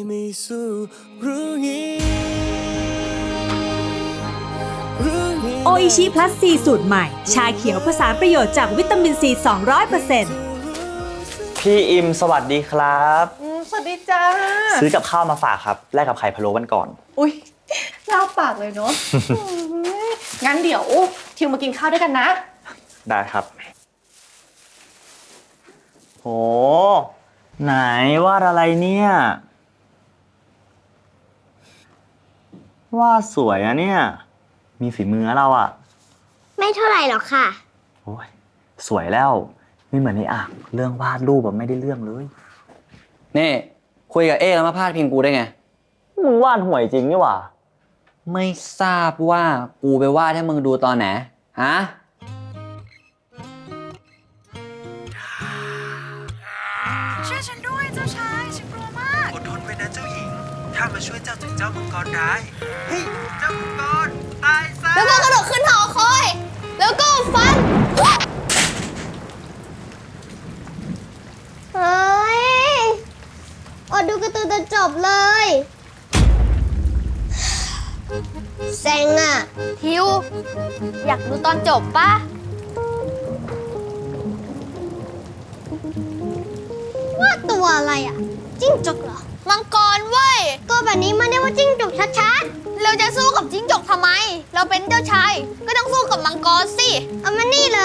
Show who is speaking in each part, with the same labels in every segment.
Speaker 1: ไม่สู้รู้งี้
Speaker 2: โออิชิพลัสซีสูตรใหม่ชาเขียวผสานประโยชน์จากวิตามินซี 200%
Speaker 3: พี่อิมสวัสดีครับ
Speaker 4: สวัสดีจ้า
Speaker 3: ซื้อกับข้าวมาฝากครับแลกกับไข่พะโล้วันก่อน
Speaker 4: อุ้ยลาปากเลยเนาะ งั้นเดี๋ยวทิวมากินข้าวด้วยกันนะ
Speaker 3: ได้ครับโหไหนวาดอะไรเนี่ยวาดสวยอะเนี่ยมีฝีมือเราอะ
Speaker 5: ไม่เท่าไหร่หรอกค่ะ
Speaker 3: โอ้ยสวยแล้วไม่เหมือนในอ่างเรื่องวาดรูปแบบไม่ได้เรื่องเลย
Speaker 6: นี่คุยกับเอ๊แล้วมาพาดพิงกูได้ไง
Speaker 3: มึงวาดห่วยจริงนี่หว่า
Speaker 6: ไม่ทราบว่ากูไปวาดให้มึงดูตอนไหนฮะ
Speaker 7: ช่วยฉันด้วยเจ้าชายฉันกลัวมากอดทนไว้นะเจ้าหญิงข้ามาช่วยเจ้าจากเจ้ามังกรร้ายเฮ้ยเจ้ามังกรตายซะ
Speaker 5: แล้วก็กระโดดขึ้นหอคอย แล้วก็ฟัน เฮ้ยอดดูการ์ตูนจนจบเลยเซ็งอ่ะ
Speaker 8: ทิว อยากดูตอนจบปะ
Speaker 5: ว่าตัวอะไรอ่ะ จิ้งจกเหรอ
Speaker 8: มังกรเว้ย
Speaker 5: ก็แบบนี้มันเรียกว่าจิ้งจกชัด
Speaker 8: เราจะสู้กับจิ้งจกทำไม เราเป็นเจ้าชาย ก็ต้องสู้กับมังกรสิ
Speaker 5: ๆ เอามานี่เลย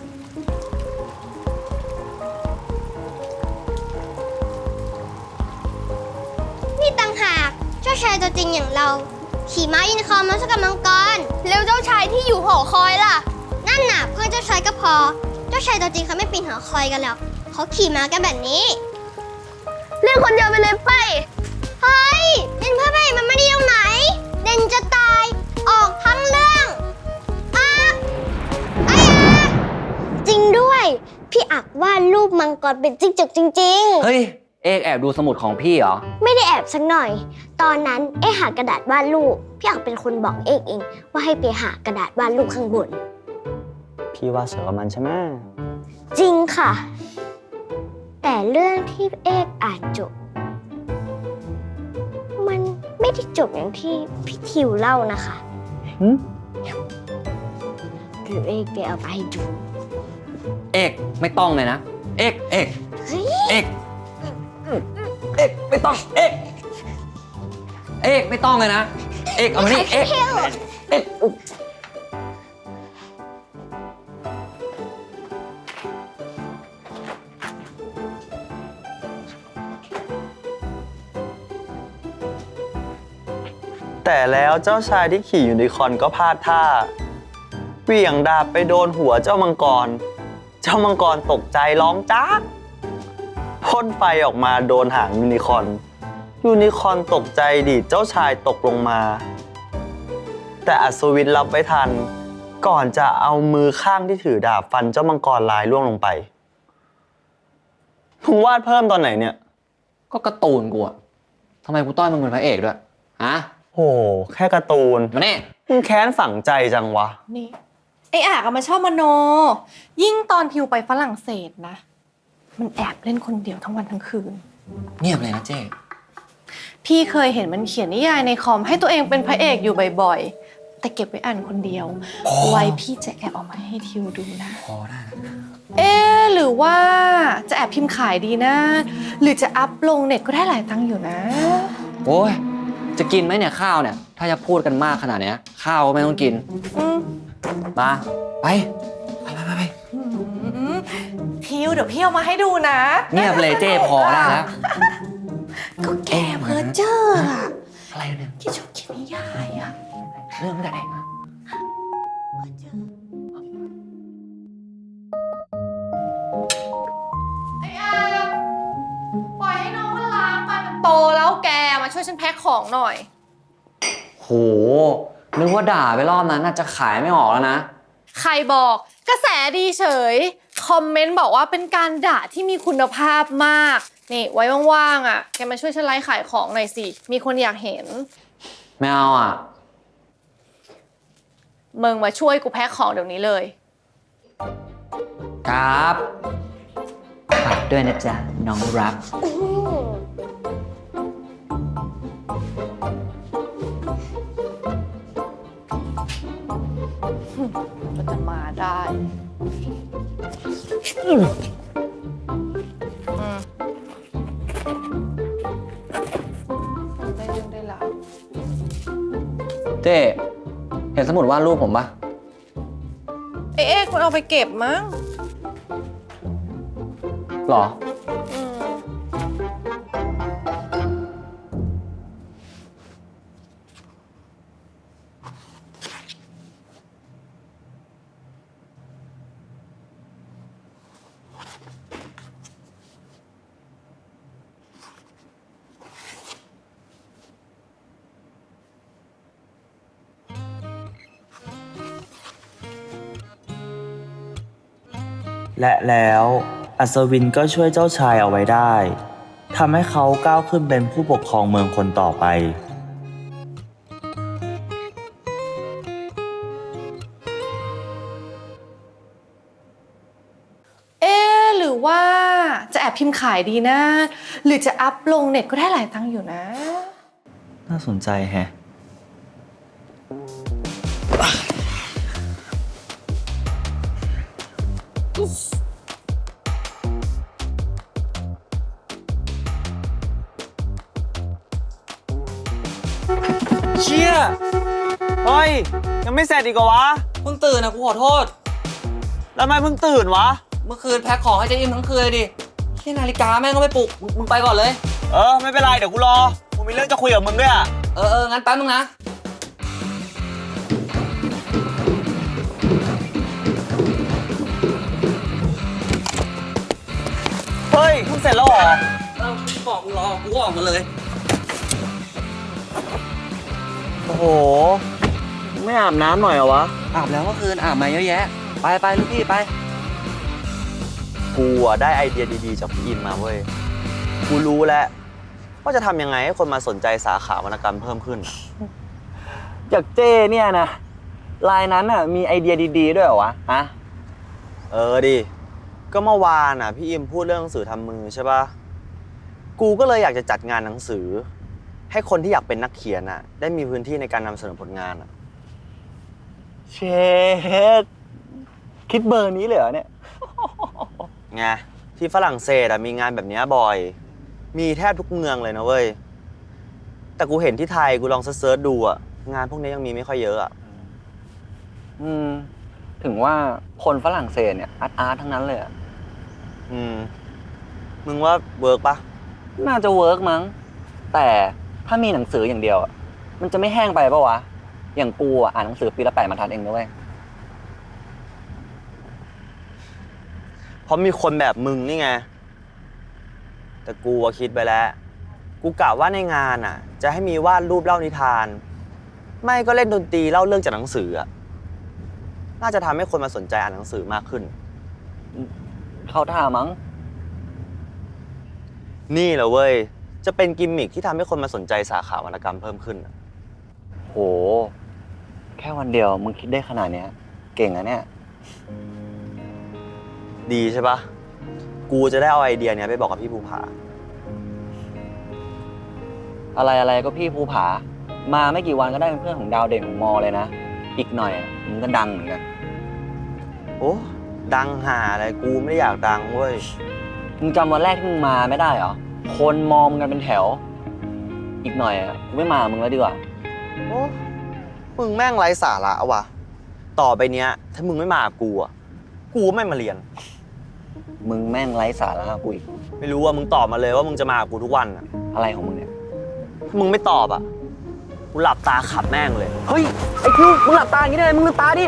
Speaker 5: นี่ต่างหากเจ้าชายตัวจริงอย่างเรา ขี่ม้ายูนิคอร์นมาสู้กับมังกร
Speaker 8: แล้วเจ้าชายที่อยู่หอคอยล่ะ
Speaker 5: นั่นน่ะเพื่อนเจ้าชายก็พอ เจ้าชายตัวจริงเขาไม่ปีนหอคอยกันหรอกเขาขี่ม้ากันแบบนี้
Speaker 8: เล่นคนเดียวไปเลยไป
Speaker 5: เฮ้ยเป็นเพื่อนพระเอกมันไม่ดีตรงไหน เด่นจะตาย ออกทั้งเรื่องอักไอ้อักจริงด้วย พี่อักวาดรูปมังกรเป็นจิ้งจกจริง
Speaker 6: เฮ้ย เอกแอบดูสมุดของพี่เหรอ
Speaker 5: ๆ ไม่ได้แอบสักหน่อย ตอนนั้นเอ๊หากระดาษวาดรูป พี่อักเป็นคนบอกเองว่าให้ไปหากระดาษวาดรูปข้างบน
Speaker 3: พี่วาดสวยกว่ามันใช่ไหม
Speaker 5: จริงค่ะ แต่เรื่องที่เอกอ่านจบ มันไม่ได้จบอย่างที่พี่ทิวเล่านะคะ
Speaker 3: หึ
Speaker 5: คือเอกไปเอาไปให้ดู
Speaker 6: เอกไม่ต้องเลยนะ เอกเอก
Speaker 5: เฮ้ย
Speaker 6: เอกเอกไม่ต้อง เอกเอกไม่ต้องเลยนะ เอกเอามานี่เอกเอก
Speaker 3: แต่แล้วเจ้าชายที่ขี่ยูนิคอร์นก็พลาดท่าเหวี่ยงดาบไปโดนหัวเจ้ามังกร เจ้ามังกรตกใจร้องจ้าพ่นไฟออกมาโดนหางยูนิคอร์นยูนิคอร์นตกใจดีดเจ้าชายตกลงมา แต่อัศวินรับไว้ทัน ก่อนจะเอามือข้างที่ถือดาบฟันเจ้ามังกรลายล่วงลงไปมึงวาดเพิ่มตอนไหนเนี่ย
Speaker 6: ก็การ์ตูนกูอะทำไมกูต้อยมึงเป็นพระเอกด้วยฮะ
Speaker 3: โหแค่การ์ตูน
Speaker 6: มานี่
Speaker 3: มึงแค้นฝังใจจังวะ
Speaker 4: นี่ ไอ้อากมันชอบมโน ยิ่งตอนทิวไปฝรั่งเศสนะ มันแอบเล่นคนเดียวทั้งวันทั้งคืน
Speaker 6: เงียบเลยนะเจ๊
Speaker 4: พี่เคยเห็นมันเขียนนิยายในคอมให้ตัวเองเป็นพระเอกอยู่บ่อยๆ แต่เก็บไว้อ่านคนเดียว ไว้พี่จะแอบเอามาให้ทิวดูนะ
Speaker 6: พอได้นะ
Speaker 4: หรือว่าจะแอบพิมพ์ขายดีนะ หรือจะอัพลงเน็ตก็ได้หลายตังค์อยู่นะ
Speaker 6: โอ้ยจะกินไหมเนี่ยข้าวเนี่ย ถ้าจะพูดกันมากขนาดเนี้ยข้าวก็ไม่ต้องกิน
Speaker 4: อืม
Speaker 6: มาไปไป
Speaker 4: ทิวเดี๋ยวพี่เอามาให้ดูนะ
Speaker 6: เงียบเลยเจ๊พอได้แล้ว
Speaker 4: ก็แกเพ้อเจ้ออะ
Speaker 6: อะไรเนี่ย
Speaker 4: ที่ชอบเขียนนิยายอะ
Speaker 6: เรื่องอะไร
Speaker 4: ไอ้อาปล่อยให้น้องมันล้างไปมันโตแล้วแกมาช่วยฉันแพ็คของหน่อย
Speaker 6: โหนึกว่าด่าไปรอบนั้นน่าจะขายไม่ออกแล้วนะ
Speaker 4: ใครบอกกระแสดีเฉย คอมเมนต์บอกว่าเป็นการด่าที่มีคุณภาพมาก นี่ไว้ว่างๆอ่ะแกมาช่วยฉันไลฟ์ขายของหน่อยสิ มีคนอยากเห็น
Speaker 6: ไม่เอาอ่ะ
Speaker 4: มึงมาช่วยกูแพ็คของเดี๋ยวนี้เลย
Speaker 6: ครับฝากด้วยนะจ๊ะน้องรัก
Speaker 5: อืม
Speaker 4: ได้เรื่องได้ราว
Speaker 6: เจ๊เห็นสมุดวาดรูปผมปะ
Speaker 4: เอ๊ะคุณเอาไปเก็บมั้ง
Speaker 6: หรอ
Speaker 4: อืม
Speaker 1: และแล้วอัศวินก็ช่วยเจ้าชายเอาไว้ได้ทำให้เขาก้าวขึ้นเป็นผู้ปกครองเมืองคนต่อไป
Speaker 4: เอ๊ะหรือว่าจะแอบพิมพ์ขายดีนะ หรือจะอัพลงเน็ตก็ได้หลายตังค์อยู่นะ
Speaker 1: น่าสนใจแฮะ
Speaker 3: เชี่ย เฮ้ย ยังไม่เสร็จอีกเหรอวะ
Speaker 6: เพิ่งตื่นนะกูขอโทษ
Speaker 3: แล้วทำไมเพิ่งตื่นวะ
Speaker 6: เมื่อคืนแพ็คของให้เจ๊อิมทั้งคืนเลยดิแค่นาฬิกาแม่งก็ไม่ปลุก มึงไปก่อนเลย
Speaker 3: ไม่เป็นไร เดี๋ยวกูรอ กูมีเรื่องจะคุยกับมึงด้วยอะ
Speaker 6: งั้นแป๊บนึงนะ
Speaker 3: เฮ้ยเพิ่งเสร็จแล้วเหรอ
Speaker 6: บอกกูรอ กูก็ออกมาเลย
Speaker 3: โอ้โห ไม่อาบน้ำหน่อยเหรอวะ
Speaker 6: อาบแล้วเมื่อคืนอาบมาเยอะแยะ ไปลูกพี่ไป
Speaker 3: กูอะได้ไอเดียดีๆจากพี่อินมาเว้ย กูรู้แล้วว่าจะทำยังไงให้คนมาสนใจสาขาวรรณกรรมเพิ่มขึ้น
Speaker 6: จากเจ้เนี่ยนะลายนั้นอ่ะมีไอเดียดีๆด้วยเหรอวะ ฮะ
Speaker 3: ดิ ก็เมื่อวานอ่ะพี่อิมพูดเรื่องหนังสือทำมือใช่ปะกูก็เลยอยากจะจัดงานหนังสือ ให้คนที่อยากเป็นนักเขียนอ่ะ ได้มีพื้นที่ในการนำเสนอผลงานอ่ะ
Speaker 6: เชดคิดเบอร์นี้เลยเหรอเนี่ย
Speaker 3: ไงที่ฝรั่งเศสอ่ะมีงานแบบเนี้ยบ่อย มีแทบทุกเมืองเลยนะเว้ย แต่กูเห็นที่ไทยกูลองเซิร์ชดูอ่ะ งานพวกนี้ยังมีไม่ค่อยเยอะอ่ะ
Speaker 6: ถึงว่าคนฝรั่งเศสเนี่ยอาร์ตทั้งนั้นเลยอะ
Speaker 3: มึงว่าเวิร์กปะ
Speaker 6: น่าจะเวิร์กมั้ง แต่ถ้ามีหนังสืออย่างเดียวอะมันจะไม่แห้งไปปะวะ อย่างกูอะอ่านหนังสือปีละ8 บรรทัดเองนะเว้ย
Speaker 3: เพราะมีคนแบบมึงนี่ไง แต่กูอะคิดไปแล้ว กูกะว่าในงานอ่ะ จะให้มีวาดรูปเล่านิทาน ไม่ก็เล่นดนตรีเล่าเรื่องจากหนังสืออ่ะ น่าจะทำให้คนมาสนใจอ่านหนังสือมากขึ้น
Speaker 6: เขาท่ามั้ง
Speaker 3: นี่แหละเว้ย จะเป็นกิมมิคที่ทำให้คนมาสนใจสาขาวรรณกรรมเพิ่มขึ้นอะ
Speaker 6: โห แค่วันเดียวมึงคิดได้ขนาดเนี้ย เก่งอะเนี่ย
Speaker 3: ดีใช่ปะกูจะได้เอาไอเดียเนี้ยไปบอกกับพี่ภูผา
Speaker 6: อะไรก็พี่ภูผา มาไม่กี่วันก็ได้เป็นเพื่อนของดาวเด่นของมอเลยนะ อีกหน่อยอะมึงก็ดังเหมือนกัน
Speaker 3: โอ้ดังหาอะไรกูไม่ได้อยากดังเว้ย
Speaker 6: มึงจำวันแรกที่มึงมาไม่ได้เหรอ คนมองมึงกันเป็นแถว อีกหน่อยอะกูไม่มามึงแล้วดีกว่า
Speaker 3: โอ้มึงแม่งไร้สาระว่ะ ต่อไปเนี้ย ถ้ามึงไม่มากับกูอ่ะ กูไม่มาเรียน
Speaker 6: มึงแม่งไร้สาระกูอีก
Speaker 3: ไม่รู้ว่ามึงตอบมาเลยว่ามึงจะมากับกูทุกวันอ่ะ
Speaker 6: อะไรของมึงเนี่ย
Speaker 3: ถ้ามึงไม่ตอบอ่ะ กูหลับตาขับแม่งเลย
Speaker 6: เฮ้ย ไอ้คิวมึงหลับตาอย่างนี้ได้ไงมึงลืมตาดิ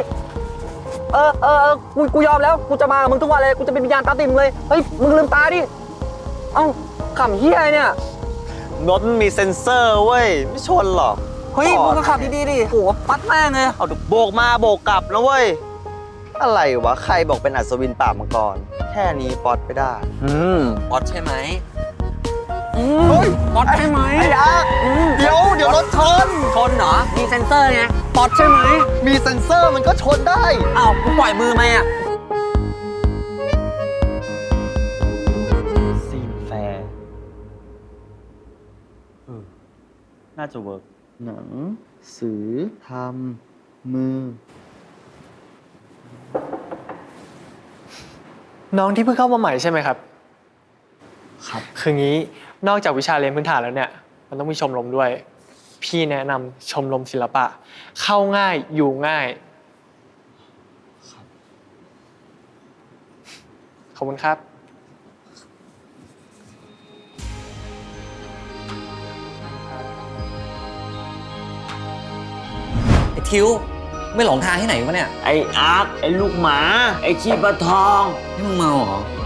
Speaker 6: กูยอมแล้ว กูจะมากับมึงทุกวันเลย กูจะเป็นวิญญาณตาติ่มเลย เฮ้ย มึงลืมตาดิ เอ้าขำเฮียอะไรเนี่ย
Speaker 3: รถมันมีเซ็นเซอร์เว้ย ไม่ชนหรอก
Speaker 6: เฮ้ย มึงก็ขับดีๆดิโหปัดแม่งเลย
Speaker 3: เอาโบกมาโบกกลับนะเว้ย อะไรวะ ใครบอกเป็นอัศวินปราบมังกร แค่นี้ป๊อตไปได้
Speaker 6: ป๊อตใช่ไหม
Speaker 3: เฮ้ย
Speaker 6: ป๊อตใช่ไหม
Speaker 3: ไอ้อาเดี๋ยวรถชน
Speaker 6: ชนเหรอ มีเซ็นเซอร์ไง ป๊อตใช่ไหม
Speaker 3: มีเซ็นเซอร์มันก็ชนได้
Speaker 6: อ้าวกูปล่อยมือไหมอ่ะ
Speaker 1: ซีนแฟร์น่าจะเวิร์กหนังสือทำมือ
Speaker 9: น้องที่เพิ่งเข้ามาใหม่ใช่ไหมครับ
Speaker 1: ครับ
Speaker 9: คืองี้นอกจากวิชาเรียนพื้นฐานแล้วเนี่ยมันต้องมีชมรมด้วย พี่แนะนำชมรมศิลปะ เข้าง่ายอยู่ง่ายขอบคุณครับ
Speaker 6: ไอ้ทิวไม่หลงทางที่ไหนวะเนี่ย
Speaker 1: ไอ้อาร์คไอ้ลูกหมา ไอ้ขี้ปลาทอง
Speaker 6: นี่มึงเมาเหรอ